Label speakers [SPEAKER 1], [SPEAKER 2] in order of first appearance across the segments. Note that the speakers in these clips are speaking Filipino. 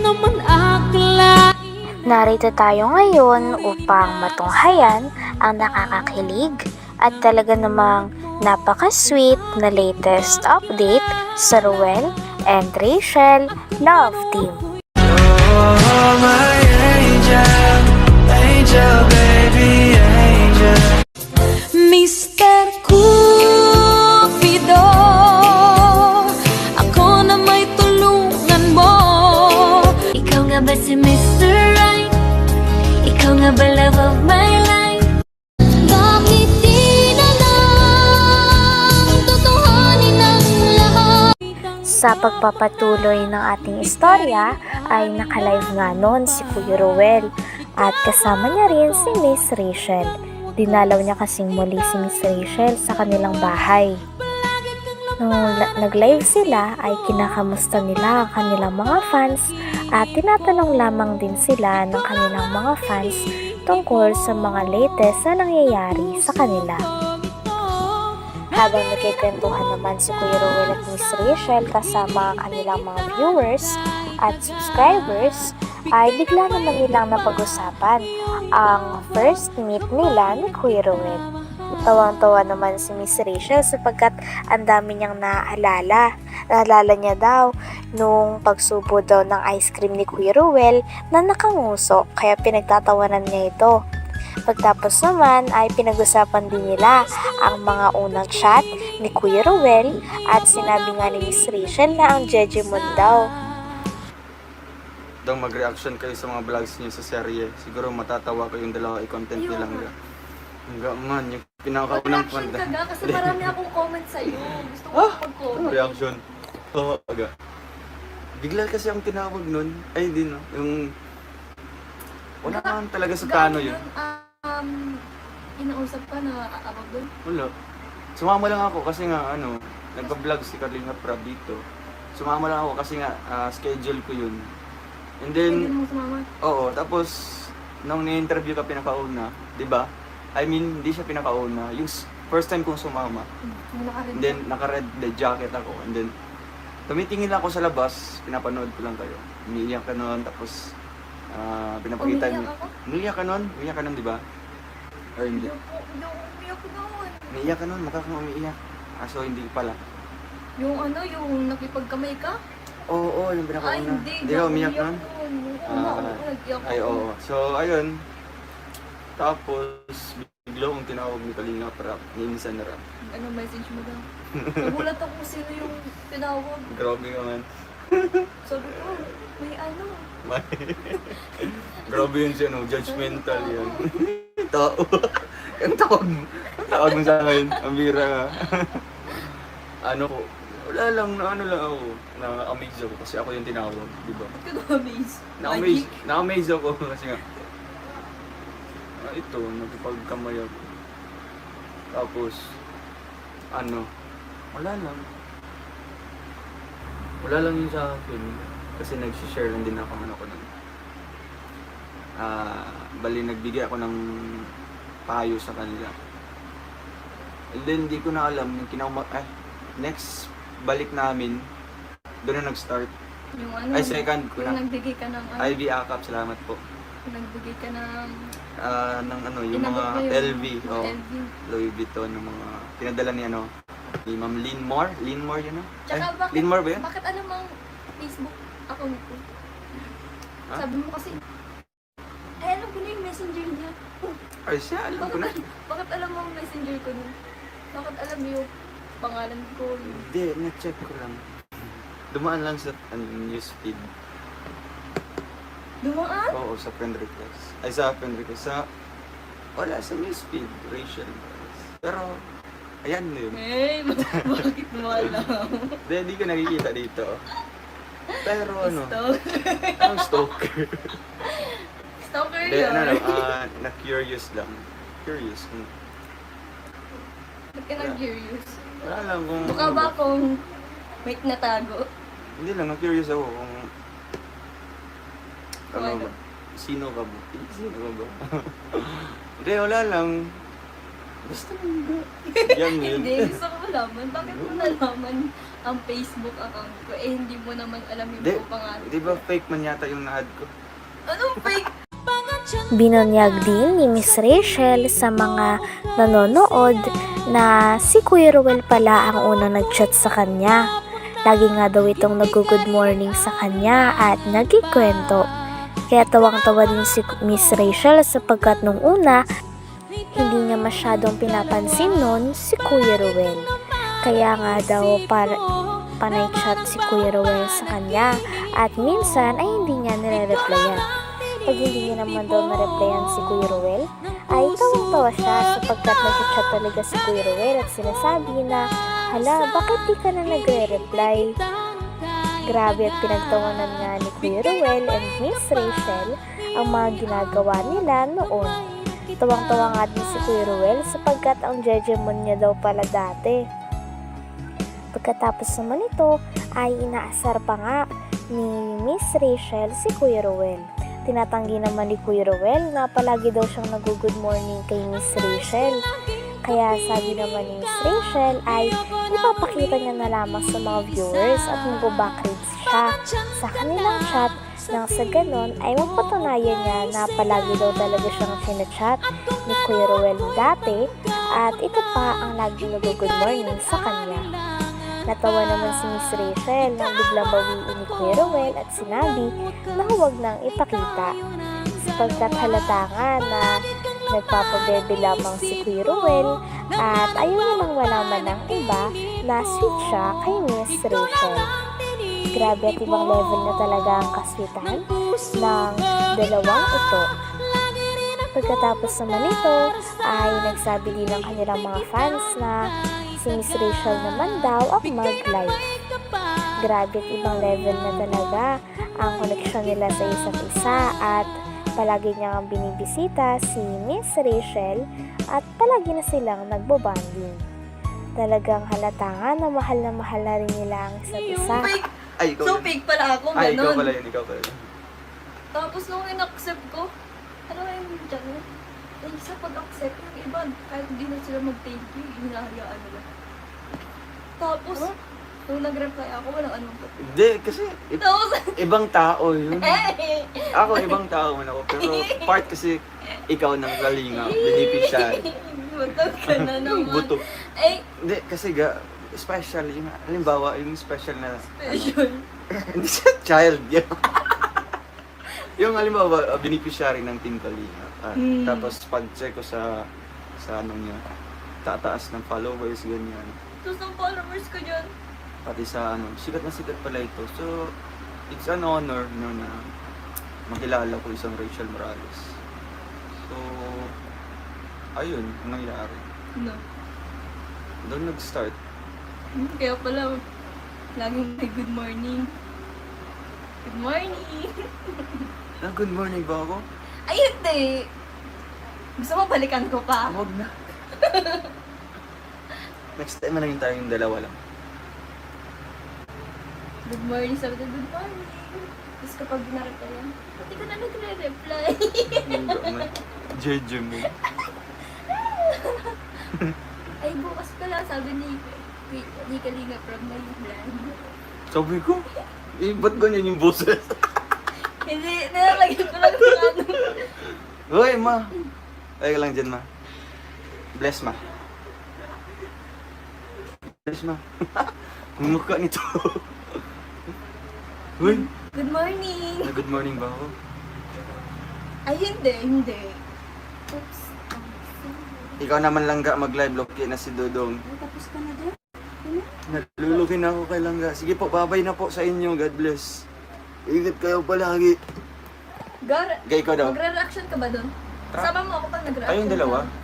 [SPEAKER 1] naman akalain.
[SPEAKER 2] Narito tayo ngayon upang matunghayan ang nakakakilig at talaga namang napaka-sweet na latest update sa Ruel and Rachel Love Team.
[SPEAKER 3] Oh, my angel, angel, baby, angel.
[SPEAKER 1] Mr. Cupido, ako na may tulungan mo. Ikaw nga ba si Mr. Right? Ikaw nga ba love of my life? Bakit di na lang tutuhanin ang lahat?
[SPEAKER 2] Sa pagpapatuloy ng ating istorya ay nakalive nga noon si Kuya Ruel at kasama niya rin si Miss Rachel. Dinalaw niya kasing muli si Miss Rachel sa kanilang bahay. Nung nag-live sila ay kinakamusta nila ang kanilang mga fans at tinatanong lamang din sila ng kanilang mga fans tungkol sa mga latest na nangyayari sa kanila. Habang nagkikwentuhan naman si Kuya Ruel at Miss Rachel kasama ang kanilang mga viewers at subscribers, ay bigla naman nilang napag-usapan ang first meet nila ni Kuya Ruel. Tawang-tawa naman si Miss Rachel sapagkat ang dami niyang naaalala. Naalala niya daw nung pagsubo daw ng ice cream ni Kuya Ruel na nakanguso kaya pinagtatawanan niya ito. Pagtapos naman ay pinag-usapan din nila ang mga unang chat ni Kuya Ruel at sinabi nga ni Miss Rachel na ang Jejemon daw.
[SPEAKER 4] Daw mag-reaction kayo sa mga vlogs niyo sa serye. Siguro matatawa kayong dalawa i-content niyo lang. Hanggang man, yung pinakaunang
[SPEAKER 5] Mag-reaction
[SPEAKER 4] panda.
[SPEAKER 5] ka ga, kasi marami akong comment sa'yo. Gusto ko mag-comment.
[SPEAKER 4] Reaction. Oo, aga. Bigla kasi ang tinawag nun. Ay, hindi no. Yung... Wala naman talaga sa plano yun.
[SPEAKER 5] Inausap ka na abag doon?
[SPEAKER 4] Wala. Sumama lang ako kasi nga, nagpa-vlog si Carlina Prab dito. Sumama lang ako kasi nga, schedule ko yun. And then,
[SPEAKER 5] Hindi mo sumama?
[SPEAKER 4] oo, tapos, nung ni-interview ka pinakauna, di ba? I mean, hindi siya pinakauna. Yung first time kong sumama. And then, naka-red the jacket ako. And then, tumitingin lang ako sa labas, pinapanood ko lang kayo. Umiiyak ka nun, tapos, pinapakita niyo. Umiiyak ka nun? Umiiyak ka nun, di ba? Or hindi?
[SPEAKER 5] Umiyak ko naman.
[SPEAKER 4] Umiiyak ka nun, mukha kang umiiyak. So, hindi pala.
[SPEAKER 5] Yung yung nakipagkamay ka?
[SPEAKER 4] Oo, yung pinakauna.
[SPEAKER 5] Ay, hindi.
[SPEAKER 4] Hindi ka umiyak nun?
[SPEAKER 5] Nag-iyak
[SPEAKER 4] Ay, oo. So, ayun. Tapos, bigla kong tinawag ni Kalinga Prab, ni Insan Rap.
[SPEAKER 5] Ano message mo daw? Nagulat ako kung sino yung tinawag.
[SPEAKER 4] Grabe ka man.
[SPEAKER 5] Sabi ko, may ano.
[SPEAKER 4] Grabe yun siya, no? Judgmental yan. Tao. Ang tawag mo sa akin. Ang bira ka. Wala lang, ako. Na-amaze ako kasi ako yung tinawag, di ba?
[SPEAKER 5] Ba't ka na-amaze?
[SPEAKER 4] Na-amaze ako kasi nga, ito, nagpagkamay ako. Tapos, wala lang. Wala lang yun sa akin. Kasi nag-share lang din ako ko nun. Bali, nagbigay ako ng payo sa kanila. And then, di ko na alam, yung next balik namin, doon na nag-start.
[SPEAKER 5] Yung
[SPEAKER 4] Second ko na.
[SPEAKER 5] Yung nagbigay ka ng
[SPEAKER 4] Ivy Akap, salamat po.
[SPEAKER 5] Yung nagbigay ka ng...
[SPEAKER 4] Yung mga LV,
[SPEAKER 5] LV.
[SPEAKER 4] Louis Vuitton, yung mga pinadala ni ni Ma'am Linmore. Linmore yun, no?
[SPEAKER 5] Tsaka bakit,
[SPEAKER 4] Linmore ba yun?
[SPEAKER 5] bakit alam ang Facebook account ko?
[SPEAKER 4] Ha?
[SPEAKER 5] Sabi mo kasi, alam ko na yung messenger niya.
[SPEAKER 4] Ay, siya, alam ko na.
[SPEAKER 5] Bakit alam mo ang messenger ko nun? Bakit alam mo yung pangalan ko?
[SPEAKER 4] Hindi, na-check ko lang. Dumaan lang sa newsfeed.
[SPEAKER 5] Dumaan?
[SPEAKER 4] Oo, sa friend request. Ay, sa friend request. Wala, sa newsfeed. Rachel. Pero, ayan na yun.
[SPEAKER 5] Eh, bakit mo alam?
[SPEAKER 4] Hindi ko nakikita dito. Pero
[SPEAKER 5] Stalker.
[SPEAKER 4] ang stalker.
[SPEAKER 5] Stalker
[SPEAKER 4] Hindi,
[SPEAKER 5] yun.
[SPEAKER 4] na-curious lang. Curious.
[SPEAKER 5] Ba't ka nag-curious?
[SPEAKER 4] Wala lang kung...
[SPEAKER 5] Mukha ba akong may natago?
[SPEAKER 4] Hindi lang, na-curious ako kung...
[SPEAKER 5] Ano?
[SPEAKER 4] ba? Sino ka ba? Sino ka ba? Hindi, wala lang. Basta lang ba? Yan yun.
[SPEAKER 5] Hindi, gusto ko malaman. Bakit mo nalaman ang Facebook account ko. Eh, hindi mo naman alam yung
[SPEAKER 4] Di,
[SPEAKER 5] buong pangalan.
[SPEAKER 4] di ba fake man yata yung na-add ko?
[SPEAKER 5] Anong fake?
[SPEAKER 2] Binunyag din ni Miss Rachel sa mga nanonood na si Kuya Ruel pala ang unang nag-chat sa kanya. Lagi nga daw itong nag-good morning sa kanya at nagkikwento. Kaya tawang-tawa din si Miss Rachel sapagkat nung una, hindi niya masyadong pinapansin nun si Kuya Ruel. Kaya nga daw panay chat si Kuya Ruel sa kanya at minsan ay hindi niya nire-replyan. Pag hindi niya naman daw na-replyan si Kuya Ruel, ay tawang-tawa siya sapagkat nag-chat talaga si Kuya Ruel at sinasabi na, hala, bakit di ka na nagre-reply? Grabe at pinagtawanan nga ni Kuya Ruel and Miss Rachel ang mga ginagawa nila noon. Tawang-tawa nga din si Kuya Ruel sapagkat ang jejemon niya daw pala dati. Pagkatapos naman ito ay inaasar pa nga ni Miss Rachel si Kuya Ruel. Tinatanggi naman ni Kuya Ruel na palagi daw siyang nag-good morning kay Miss Rachel. Kaya sabi naman ni Miss Rachel ay ipapakita niya na lamang sa mga viewers at mag-backreads siya sa kanilang chat nang sa ganon ay mapatunayan niya na palagi daw talaga siyang sinachat ni Kuya Ruel dati at ito pa ang lagi nag-good morning sa kanya. Natawa naman si Miss Rachel nang biglang bawiin ni Kuya Ruel at sinabi na huwag nang ipakita sapagkat halata nga na nagpapabebe lamang si Kuya Ruel at ayaw nilang malaman ng iba na sweet siya kay Miss Rachel. Grabe at ibang level na talaga ang kaswitan ng dalawang ito. Pagkatapos naman ito ay nagsabi din ng kanilang mga fans na si Miss Rachel naman daw ang mag-live. Grabe at ibang level na talaga ang koneksyon nila sa isa't isa at palagi niyang binibisita si Miss Rachel at palagi na silang nagbobanding. Talagang halata nga na mahal na rin nila ang isa't isa.
[SPEAKER 5] Fake!
[SPEAKER 4] Ay, ikaw
[SPEAKER 5] So,
[SPEAKER 4] yun.
[SPEAKER 5] fake pala ako,
[SPEAKER 4] Ay, ikaw
[SPEAKER 5] ganon.
[SPEAKER 4] pala yun, ikaw pala yun.
[SPEAKER 5] Tapos nung in-accept ko, ano yung dyan? Eh, sa pag-accept, yung iba, kahit hindi na sila mag-thank you, hinahayaan nila. Tapos, nung nag-reply ako, walang anong ko.
[SPEAKER 4] Hindi, kasi
[SPEAKER 5] Tapos,
[SPEAKER 4] ibang tao yun.
[SPEAKER 5] eh!
[SPEAKER 4] Ako, ibang tao man ako. Pero part kasi ikaw ng galinga, beneficiary.
[SPEAKER 5] Butog ka na naman.
[SPEAKER 4] Buto.
[SPEAKER 5] Eh,
[SPEAKER 4] Hindi, kasi special yung, halimbawa, yung special na,
[SPEAKER 5] special.
[SPEAKER 4] hindi siya child yun. Yung halimbawa, beneficiary ng Team Kalinga. Tapos pag-check ko sa anong niya, tataas ng followers, ganyan.
[SPEAKER 5] Tapos ang followers ko dyan.
[SPEAKER 4] Pati sa sikat na sikat pala ito. So, it's an honor no, na makilala ko isang Rachel Morales. So, ayun, ang nangyari.
[SPEAKER 5] No.
[SPEAKER 4] Doon nag-start.
[SPEAKER 5] Kaya pala, laging may good morning. Good morning!
[SPEAKER 4] Good morning ba ako?
[SPEAKER 5] Ay, hindi! Gusto mo balikan ko pa?
[SPEAKER 4] Huwag na. Next time na lang tayong dalawa lang.
[SPEAKER 5] Good morning, sabi ko, good morning. Tapos kapag binaratayan, pati ko na nagre-reply.
[SPEAKER 4] Jeje mo.
[SPEAKER 5] Ay, bukas pala, sabi ni Kalinga from my plan.
[SPEAKER 4] Sabi ko, ba't ganyan yung boses?
[SPEAKER 5] Hindi, nilalagyan ko lang sa ano.
[SPEAKER 4] Hoy, ma. Ay lang dyan, ma. Bless, ma. Bless, ma. Ang mukha nito. Hoy,
[SPEAKER 5] Good morning!
[SPEAKER 4] good morning ba ako?
[SPEAKER 5] Ay, hindi. Oops.
[SPEAKER 4] Ikaw naman Langga mag-live, loki na si Dodong.
[SPEAKER 5] Tapos ka na din?
[SPEAKER 4] Nalulukin na ako kay Langga. Sige po, babay na po sa inyo. God bless. Ingat kayo palagi.
[SPEAKER 5] Gar,
[SPEAKER 4] Gay ko daw.
[SPEAKER 5] magre-reaction ka ba doon? Sama mo ako pag nag-reaction
[SPEAKER 4] Tayong dalawa?
[SPEAKER 5] ka.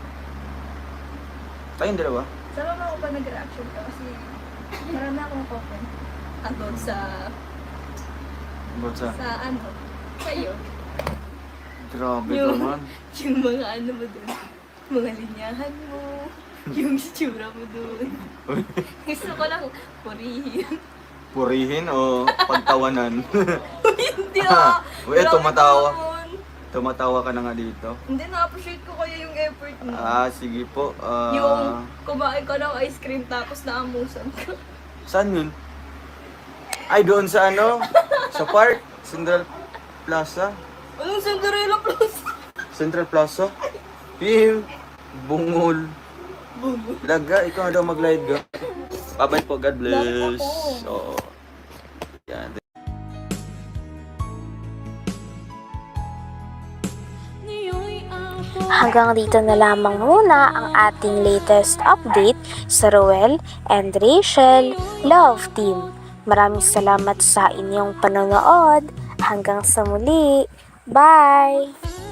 [SPEAKER 4] Tayong dalawa?
[SPEAKER 5] Sama mo ako pag nag-reaction ka kasi marami akong comment. Andun sa
[SPEAKER 4] Botsa.
[SPEAKER 5] ano, kayo.
[SPEAKER 4] Grabe
[SPEAKER 5] Yung-
[SPEAKER 4] naman.
[SPEAKER 5] Yung mga ano mo doon. Mga linyahan mo. Yung itsura mo doon. Gusto ko lang purihin.
[SPEAKER 4] Purihin o pagtawanan?
[SPEAKER 5] Hindi ah!
[SPEAKER 4] Uy,
[SPEAKER 5] Grabe
[SPEAKER 4] tumatawa.
[SPEAKER 5] naman.
[SPEAKER 4] Tumatawa ka na nga dito.
[SPEAKER 5] Hindi, na-appreciate ko kaya yung effort mo.
[SPEAKER 4] Sige po.
[SPEAKER 5] Yung kumain ka ng ice cream tapos naamusan ka.
[SPEAKER 4] Saan yun? Ay, doon sa ano? Sa park? Central Plaza?
[SPEAKER 5] Anong Cinderella Plus?
[SPEAKER 4] Central Plaza? Pim! Bungol. Laga, ikaw na daw mag-live ka. Bye-bye po, God bless. Oo. Yan.
[SPEAKER 2] Hanggang dito na lamang muna ang ating latest update sa Roel and Rachel Love Team. Maraming salamat sa inyong panonood. Hanggang sa muli. Bye!